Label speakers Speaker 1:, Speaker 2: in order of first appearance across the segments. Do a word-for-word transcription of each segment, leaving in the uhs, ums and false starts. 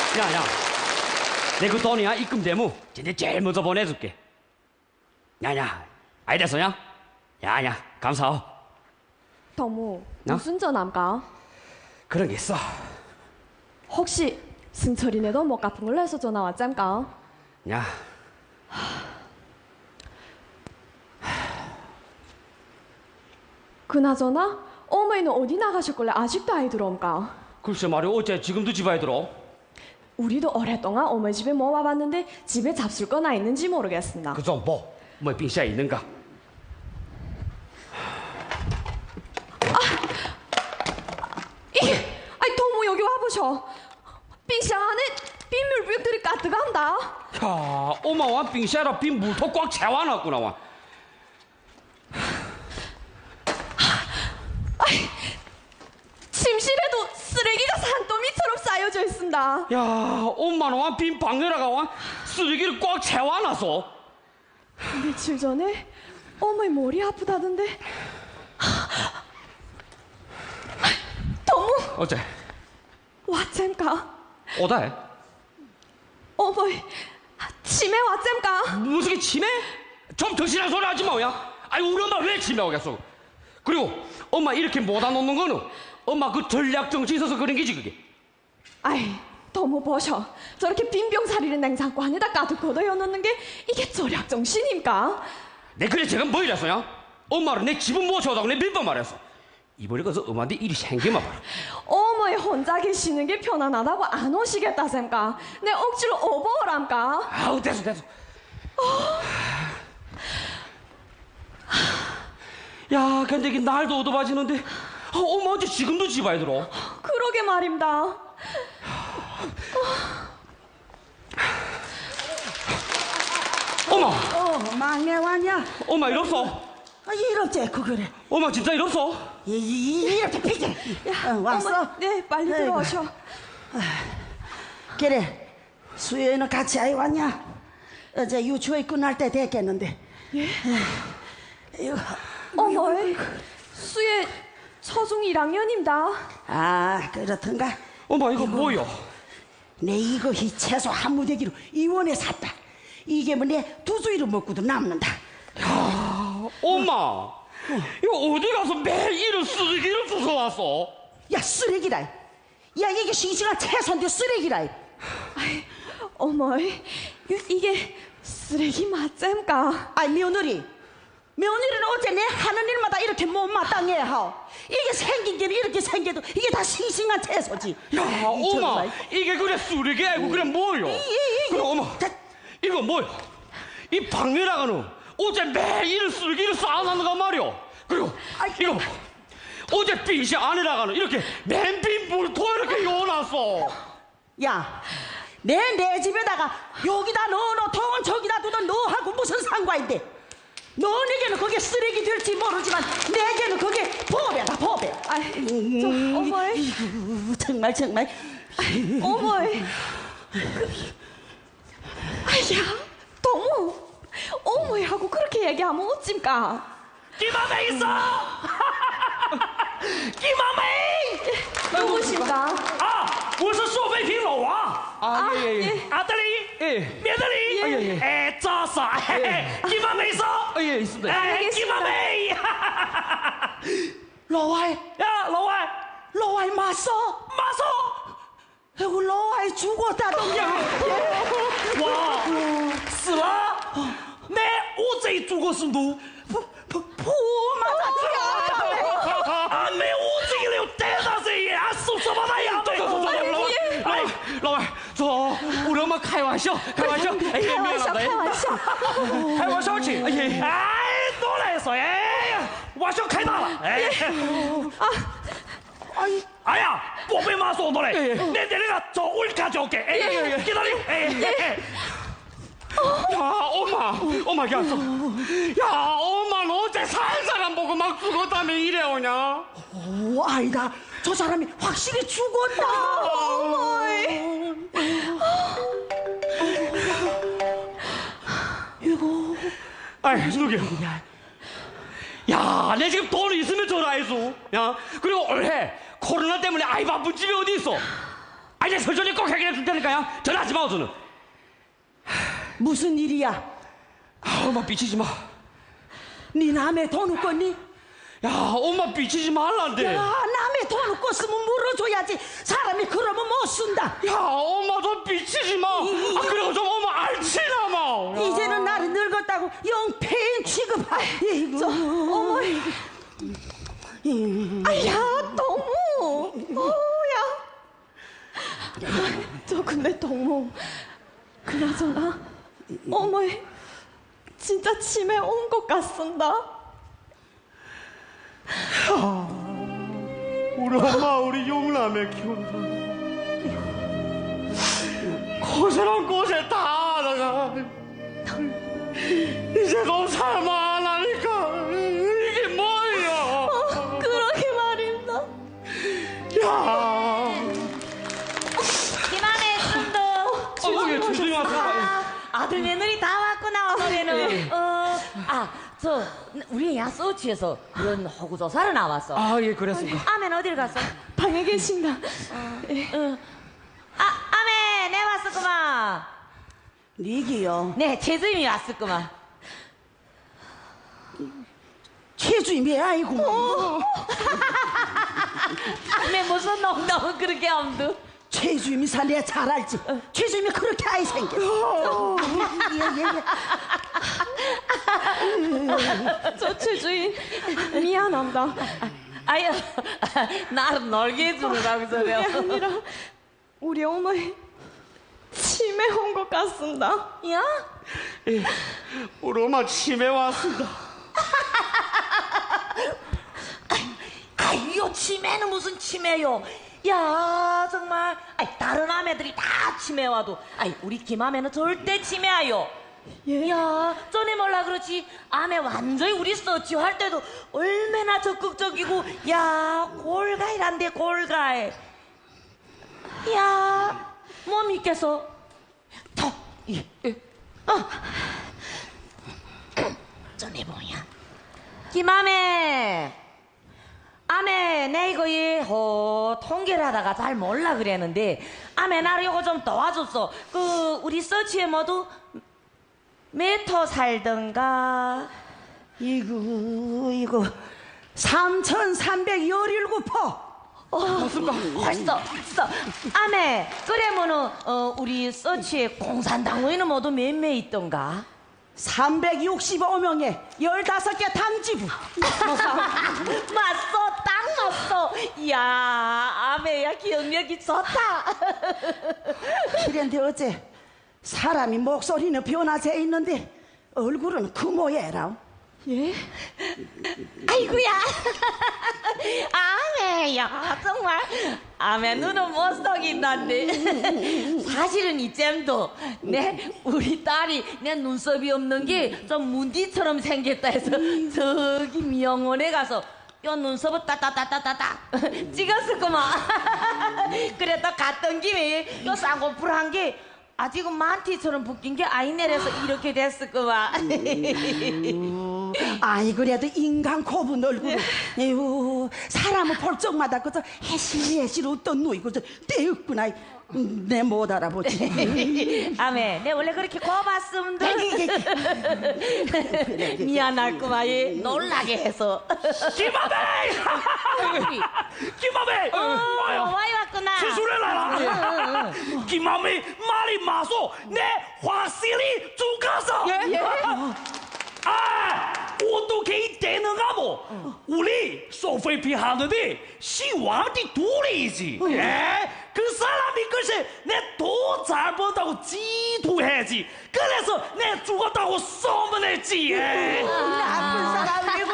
Speaker 1: 야야, 내 그 돈이야 입금 대무 진짜 제일 먼저 보내줄게. 야야, 아이 됐어냐? 야야, 감사하오.
Speaker 2: 동무
Speaker 1: 어?
Speaker 2: 무슨 전화인가?
Speaker 1: 그런 게 있어.
Speaker 2: 혹시 승철이네도 못 갚은 걸로 해서 전화 왔잠까?
Speaker 1: 야,
Speaker 2: 그나저나 어머니는 어디 나가셨길래 아직도 아이 들어옴까?
Speaker 1: 글쎄 말이야, 어째 지금도 집에 들어?
Speaker 2: 우리도 오랫동안 어머니 집에 못 와봤는데 집에 잡술 거나 있는지 모르겠습니다.
Speaker 1: 그 좀 뭐, 뭐 빙시에 있는가?
Speaker 2: 이게, 아이 동무 여기 와보셔.冰箱 안에 빈물병들이 가득한다.
Speaker 1: 야, 엄마와 빙시에라 빈 물통 꽉 채워놨구나 와.
Speaker 2: 아이, 침실에도 쓰레기가 산더미처럼 쌓여져 있습니다.
Speaker 1: 야, 엄마는 와 빈 방에다가 와 쓰레기를 꽉 채워놨어.
Speaker 2: 며칠 전에 어머니 머리 아프다던데. 동무
Speaker 1: 어째?
Speaker 2: 왔잼까?
Speaker 1: 오다해?
Speaker 2: 어머니 치매 왔잼까?
Speaker 1: 무슨 게 치매? 좀 덕실한 소리 하지 마야. 아니 우리 엄마 왜 치매 오겠어? 그리고 엄마 이렇게 못안 놓는 거는 엄마 그 전략 정치 있어서 그런 게지 그게.
Speaker 2: 아이 동무 보셔. 저렇게 빈병사리를 냉장고 안에다 가득 걷어여놓는 게 이게 절약 정신입니까?
Speaker 1: 내 그래 제가 뭐 이랬어요? 엄마를 내 집은 모셔오다고 내 몇 번 말했어. 이번에 가서 엄마한테 일이 생기면 봐라.
Speaker 2: 어머니 혼자 계시는 게 편안하다고 안 오시겠다 셈까? 내 억지로 오버오람까?
Speaker 1: 아우 됐어 됐어. 야 근데 이게 날도 어두워지는데 아, 엄마 어째 지금도 집에 들어?
Speaker 2: 그러게 말입니다.
Speaker 1: 엄마!
Speaker 3: 어, 막내 왔냐?
Speaker 1: 엄마 일 없어?
Speaker 3: 아, 이렇게 그 그래.
Speaker 1: 엄마 진짜 일 없어?
Speaker 3: 이, 이, 이렇게 피게. 어, 왔어?
Speaker 2: 어머니, 네, 빨리
Speaker 3: 아이고.
Speaker 2: 들어오셔.
Speaker 3: 그래. 수요일은 같이 아이 왔냐? 어제 유치원 끝날 때 됐겠는데.
Speaker 2: 예?
Speaker 3: 이거,
Speaker 2: 어머니, 수혜 초중 일 학년입니다.
Speaker 3: 아, 그렇던가.
Speaker 1: 엄마 이거 뭐야?
Speaker 3: 내 이거 이 채소 한 무대기로 이원에 샀다. 이게 뭐 내 두 주일을 먹고도 남는다.
Speaker 1: 야, 엄마 이거 어디 가서 매일 이런 쓰레기를 주워 왔어?
Speaker 3: 야, 쓰레기라. 야, 이게 싱싱한 채소인데 쓰레기라.
Speaker 2: 아이, 어머니, 이- 이게 쓰레기 맞잼까?
Speaker 3: 아이, 며느리. 며느리는 어째 내 하는 일마다 이렇게 못마땅해 하오. 이게 생긴 게 이렇게 생겨도 이게 다 싱싱한 채소지.
Speaker 1: 야,
Speaker 3: 이
Speaker 1: 엄마
Speaker 3: 정말.
Speaker 1: 이게 그래 쓰레기 아니고 그래 뭐요?
Speaker 3: 이, 이, 이,
Speaker 1: 그래 엄마
Speaker 3: 다-
Speaker 1: 이거 뭐야? 이 방에다가는 어제 매일 이런 쓰레기를 쌓아놨는가 말이오. 그리고
Speaker 3: 아이,
Speaker 1: 이거 봐. 어제 빙시 안에다가는 이렇게 맨빈 물통 이렇게 요놨어.
Speaker 3: 야, 내 내 집에다가 여기다 넣어놓 통은 저기다 두던 너하고 무슨 상관인데? 너에게는 그게 쓰레기 될지 모르지만 내게는 그게 보배다 보배.
Speaker 2: 아이, 저, 어머니,
Speaker 3: 이구, 정말 정말.
Speaker 2: 어머니. 아야, 동무. 어머니하고 그렇게 얘기하면 어찜까?
Speaker 1: 기마매 있어. 기마매.
Speaker 2: 누구신가?
Speaker 1: 啊，我是苏菲平老王。
Speaker 2: 아,
Speaker 1: 예, 예, 예.
Speaker 2: 예.
Speaker 1: 아들이,
Speaker 4: 예.
Speaker 1: 며느리,
Speaker 4: 아, 예, 예.
Speaker 1: 에, 짜사, 기마매 있어.
Speaker 4: 아, 예, 있습니다.
Speaker 1: 에,
Speaker 2: 알겠습니다.
Speaker 1: 기마매.
Speaker 3: 老外
Speaker 1: 야,老外，
Speaker 3: 老外맞어?
Speaker 1: 마소.
Speaker 3: 아이고, 老外 죽었다던데.
Speaker 1: 哇，死了。내 어제 죽었음도.
Speaker 3: 부 맞았지.
Speaker 1: 아, 내 어제를 대다세 야, 섭섭하다 야. 아이, 老外，走，우리 엄마 开玩笑，开玩笑，哎呀，
Speaker 2: 开玩笑，开玩笑。
Speaker 1: 开玩笑去，哎呀，哎，多来说，哎呀，玩笑开大了，哎，啊，哎，哎呀，宝贝妈说的嘞，你在那个做温卡就给，哎，记得你，哎，야, 엄마, 엄마, 야, 야, 엄마, 너 어째 산 사람 보고 막 죽었다며 이래 오냐?
Speaker 3: 오, 아니다. 저 사람이 확실히 죽었다. 이거.
Speaker 1: 아이, 누구야? 야, 내 지금 돈 있으면 전화해줘. 야, 그리고 올해 코로나 때문에 아이 바쁜 집이 어디 있어? 아니 서준이 꼭 해결해 줄 테니까요. 전화하지 마 우선은.
Speaker 3: 무슨 일이야?
Speaker 1: 아, 엄마 삐치지 마.
Speaker 3: 네 남의 돈 웃겠니?
Speaker 1: 야 엄마 삐치지 말란데.
Speaker 3: 야, 남의 돈 웃겼으면 물어줘야지. 사람이 그러면 못 쓴다.
Speaker 1: 야 엄마 좀 삐치지 마. 아 그리고 좀 엄마 알지나 마.
Speaker 3: 이제는 나를 늙었다고 영 폐인 취급하. 이고
Speaker 2: 저 어머니. 아야 동무. 어야. 저 근데 동무. 그나저나 어머니 진짜 치매 온 것 같습니다.
Speaker 1: 우리 엄마 우리 용남에 키운다. 고생한 고생 다 하다가 이제 너무 살만 안 하니까 이게 뭐야.
Speaker 2: 어, 그러게 말입니다.
Speaker 1: 야
Speaker 4: 김한혜 씀도
Speaker 1: 어머니 조심히 하세요.
Speaker 4: 아들 며느리 다 왔구나 오늘은. 어아저 우리 야 서치에서 그런 허구 조사를 나왔어.
Speaker 1: 아예 그랬습니다.
Speaker 4: 아멘 어딜 갔어?
Speaker 2: 방에 계신다.
Speaker 4: 응. 아 아멘 내 왔었구만.
Speaker 3: 니기요.
Speaker 4: 네 최주임이 왔었구만.
Speaker 3: 최주임이 아이고.
Speaker 4: 아멘 무슨 농담은 그렇게 엄두.
Speaker 3: 최주임이 사 내가 잘 알지. 최주임이 그렇게 아이 생겼어. 예, 예, 예.
Speaker 2: 저 최주인 미안합니다.
Speaker 4: 아유 나를 놀게 해주느라고
Speaker 2: 그게
Speaker 4: 저래요.
Speaker 2: 아니라 우리 어머니 치매 온 것 같습니다.
Speaker 4: 야?
Speaker 1: 예, 우리 엄마 치매 왔습니다.
Speaker 4: 아이요 치매는 무슨 치매요. 야 정말 아이 다른 아매들이 다 치매 와도 아이 우리 김아매는 절대 치매아요.
Speaker 2: 예?
Speaker 4: 야 전에 몰라 그렇지 아매 완전히 우리 서치 할 때도 얼마나 적극적이고 야 골가이란데 골가이. 야 뭐 믿겠어? 더 예. 예. 어. 전에 뭐야 김아매 아메 내 이거 어, 통계를 하다가 잘 몰라 그랬는데 아메 나를 이거 좀 도와줬어. 그 우리 서치에 모두 메터 살던가.
Speaker 3: 이거 이거 삼천삼백십칠 퍼.
Speaker 4: 어, 맞습니까? 벌써 벌써 아메 그래면은 어, 우리 서치에 공산당원은 모두 몇 명 있던가?
Speaker 3: 삼백육십오 명에 열다섯 개 당지부.
Speaker 4: 맞어 딱 맞어. 이야 아메야 기억력이 좋다.
Speaker 3: 그런데 어째 사람이 목소리는 변화돼 있는데 얼굴은 그 모양이라.
Speaker 2: 예?
Speaker 4: 아이고야 아메야 정말 아메 눈은 못 속인다는데 사실은 이잼도 내 우리 딸이 내 눈썹이 없는 게 좀 문디처럼 생겼다 해서 저기 미용원에 가서 요 눈썹을 따따따따따따 찍었을거만. 그래 또 갔던 김에 요 쌍꺼풀 게 아직은 만티처럼 붓긴 게 아이넬에서 이렇게 됐을거만.
Speaker 3: 아이 그래도 인간 고분 얼굴. 에휴 사람은 볼 적마다 그저 해실해실 웃던 누이 그저 떼었구나. 내 못 알아보지.
Speaker 4: 아메 내 원래 그렇게 고맙습니다. 미안할구만 얘 놀라게 해서.
Speaker 1: 김아배! 김아배!
Speaker 4: 어,
Speaker 1: 와요.
Speaker 4: 와이 왔구나.
Speaker 1: 기술해라. 김아배 말이 마소 내 확실히 죽었어. 아, 어떻게 되는가 뭐? 우리 소菲피 하는데 시왕의 둘이지. 예? 그 사람이 글쎄 내 돈 잘 번다고 지도해야지. 그래서 내 죽었다고 소문했지. 예?
Speaker 3: 나쁜 사람이고.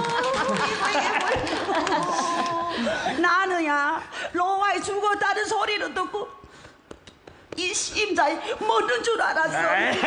Speaker 3: 나는야 로아이 죽었다는 소리를 듣고 이 심장이 멎는 줄 알았어.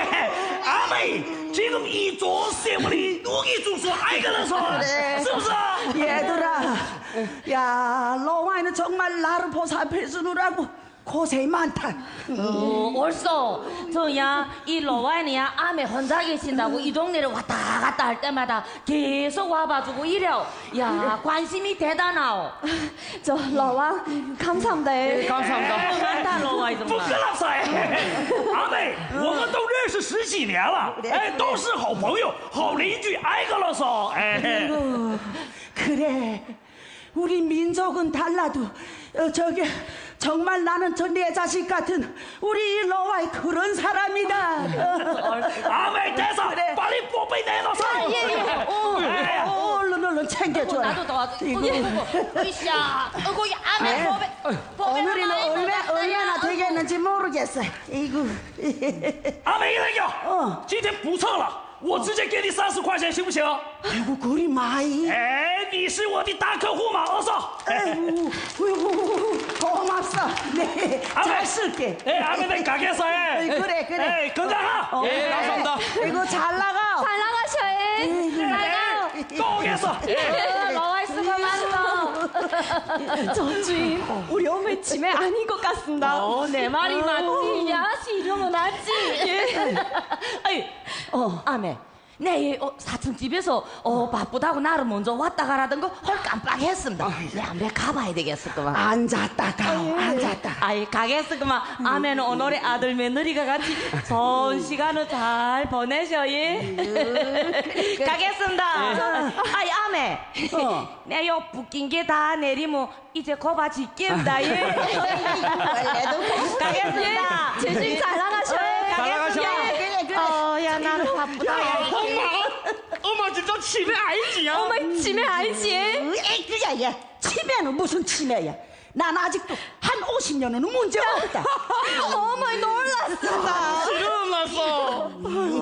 Speaker 1: 아메 지금 이 좋은 세월이 누기 죽소 알거든서.
Speaker 3: 그래.
Speaker 1: 습서
Speaker 3: 얘들아, 야 로아이는 정말 나를 보살펴 주느라고 고생이 많다.
Speaker 4: 어, 옳소. 저야 이 로와이야 암에 혼자 계신다고 이 동네를 왔다 갔다 할 때마다 계속 와봐주고 이래요. 야 관심이 대단하오.
Speaker 2: 저 러왕 감사합니다.
Speaker 1: 네, 감사합니다.
Speaker 4: 많다 로와이
Speaker 1: 不
Speaker 4: 정말.
Speaker 1: 跟老塞，阿妹，我们都认识十几年了，哎，都是好朋友、好邻居，挨个了嗦，哎，
Speaker 3: 어, 그래. 우리 민족은 달라도 어, 저기 정말 나는 저 내 자식 같은 우리 러와이 그런 사람이다.
Speaker 1: 阿妹，带上，把你宝贝带到上，
Speaker 3: 어, 어, 얼른 얼른 챙겨줘라.
Speaker 4: 나도 도와줘. 이거 으쌰. 어구 이 암에 보배.
Speaker 3: 오늘은 얼마, 얼마나 되겠는지 모르겠어. 이거.
Speaker 1: 阿妹，那个，
Speaker 3: 哦
Speaker 1: 今天不蹭了，我直接给你三十块钱，行不行？
Speaker 3: 아이고 그리 많이.
Speaker 1: 哎，你是我的大客户嘛，二嫂。
Speaker 3: 아이고, 아이고, 고맙소. 네,
Speaker 1: 아,
Speaker 3: 잘
Speaker 1: 네.
Speaker 3: 쓸게.
Speaker 1: 예, 아메는 가게에서 해.
Speaker 3: 그래, 그래.
Speaker 1: 예, 건강하.
Speaker 3: 어,
Speaker 1: 예, 감사합니다.
Speaker 3: 이거 잘 나가.
Speaker 2: 잘 나가셔. 잘
Speaker 1: 예, 또 오겠어.
Speaker 2: 가. 러왕 수고 많어. 저 주인, 우리 어머니 치매 아닌 것 같습니다.
Speaker 4: 어, 내 말이 맞지. 야, 이러면 맞지. 예. 아이, 어, 아메. 내 어, 사촌 집에서 어, 바쁘다고 나를 먼저 왔다 가라던 거 헐 깜빡했습니다. 내 아메 가봐야 되겠을까만.
Speaker 3: 앉았다 가, 앉았다.
Speaker 4: 아이 가겠을까만. 아메는 오늘의 아들 며느리가 같이 좋은 시간을 잘 보내셔 예. 가겠습니다. 아이 아메.
Speaker 3: 어.
Speaker 4: 내요 붓긴 게 다 내리면 이제 거봐 짓겠다 예. 가겠습니다.
Speaker 2: 제 주인 잘 나가셔.
Speaker 4: 가겠습니다.
Speaker 3: 그래, 그래.
Speaker 4: 어, 야 나는 바쁘다. 야.
Speaker 1: 엄마, 엄마 진짜 치매 알지야?
Speaker 2: 어머니 치매 알지?
Speaker 3: 에이, 그야, 야. 치매는 무슨 치매야. 난 아직도 한 오십 년은 문제 없다.
Speaker 2: 어머니 놀랐습니다.
Speaker 1: 일어났어.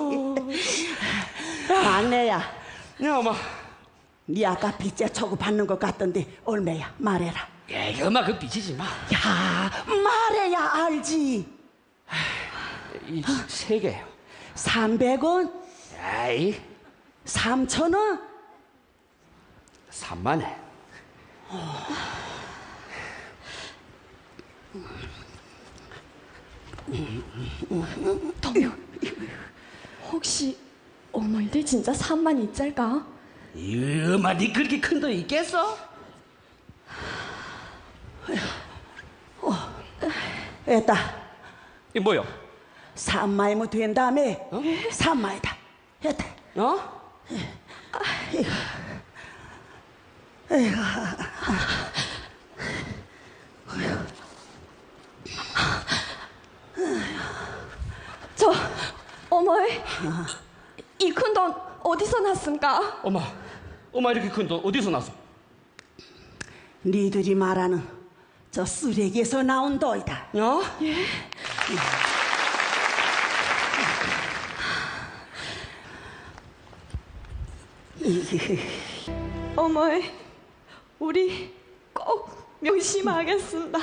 Speaker 3: 막내야,
Speaker 1: 야, 엄마.
Speaker 3: 네 아까 빚제 초구 받는 것 같던데 얼마야? 말해라.
Speaker 1: 야, 엄마 그 삐치지 마.
Speaker 3: 야, 말해야 알지.
Speaker 1: 이 세 개요.
Speaker 3: 삼백 원,
Speaker 1: 에이,
Speaker 3: 삼천 원,
Speaker 1: 삼만 원.
Speaker 2: 동요, 혹시 어머니들 진짜 삼만 이짤까?
Speaker 1: 이 엄마, 니 그렇게 큰 돈 있겠어?
Speaker 3: 됐다.
Speaker 1: 이 뭐요?
Speaker 3: 삼마이면 된 다음에 어? 삼마이다. 됐다.
Speaker 1: 어?
Speaker 2: 저 어머니 이 큰 돈 어디서 났습니까?
Speaker 1: 엄마, 엄마 이렇게 큰 돈 어디서 났어?
Speaker 3: 니들이 말하는 저 쓰레기에서 나온 돈이다.
Speaker 1: 어?
Speaker 2: 어머니 우리 꼭 명심하겠습니다.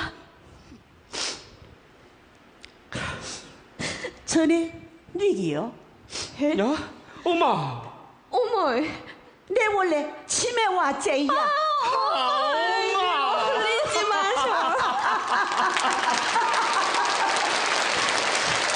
Speaker 3: 전에 니기요?
Speaker 2: 예?
Speaker 1: 야, 엄마.
Speaker 2: 어머니
Speaker 3: 내 원래 치매 왔제야.
Speaker 2: 아,